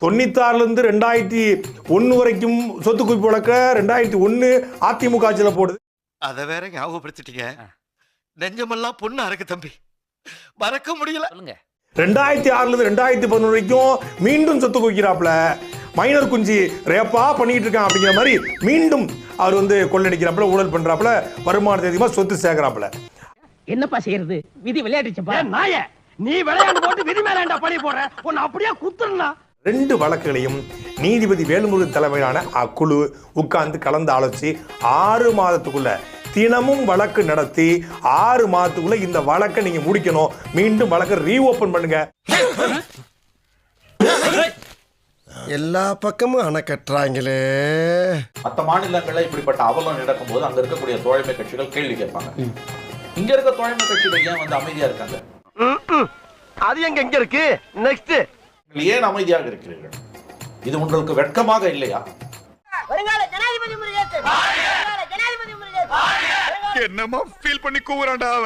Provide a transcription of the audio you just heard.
96 2001 வரைக்கும் சொத்து குவிப்பு வழக்க 2001 அதிமுக ஆட்சியில போடுது. அத வேற ஞாபகப்படுத்திட்டீங்க. நெஞ்சமெல்லாம் பொண்ணா இருக்கு தம்பி, மறக்க முடியல. 2006 2011 வரைக்கும் மீண்டும் சொத்து குவிக்கிறாப்ல. மைனர் குஞ்சி ரேப்பா பண்ணிட்டு இருக்கான் அப்படிங்கிற மாதிரி மீண்டும் அவர் கொள்ளடிக்கிறாப்ல, ஊழல் பண்றாப்ல, வருமானத்தை அதிகமா சொத்து சேர்க்கிறாப்ல. என்னப்பா செய்யறது, விதி விளையாடுச்சுப்பா. நாய நீ விளையாண்டு போட்டு விதி மேலாண்டா பழி போடுற, உன்னை அப்படியே குத்துறா. 2 வழக்குகளையும் நீதிபதி வேல்முருகன் தலைமையிலான அக்குழு உட்கார்ந்து கலந்து ஆலோசிச்சு 6 மாதத்துக்குள்ள தினமும் வழக்கு நடத்தி 6 மாதத்துக்குள்ள இந்த வழக்கை நீங்க முடிக்கணும். மீண்டும் வழக்கை ரீஓபன் பண்ணுங்க. எல்லா பக்கமும் அணை கட்டுறாங்களே. மற்ற மாநிலங்கள்ல இப்படிப்பட்ட அவலம் நடக்கும் போது அங்க இருக்கக்கூடிய தோழமை கட்சிகள் கேள்வி கேட்பாங்க. இங்க இருக்க தோழமை கட்சிகள் ஏன் அமைதியா இருக்காங்க? அது எங்க இருக்கு? நெக்ஸ்ட் ஏன் அமைதியாக இருக்கிறீர்கள்? இது உங்களுக்கு வெட்கமாக இல்லையா? என்னமா ஃபீல் பண்ணி கூவுறான்டா.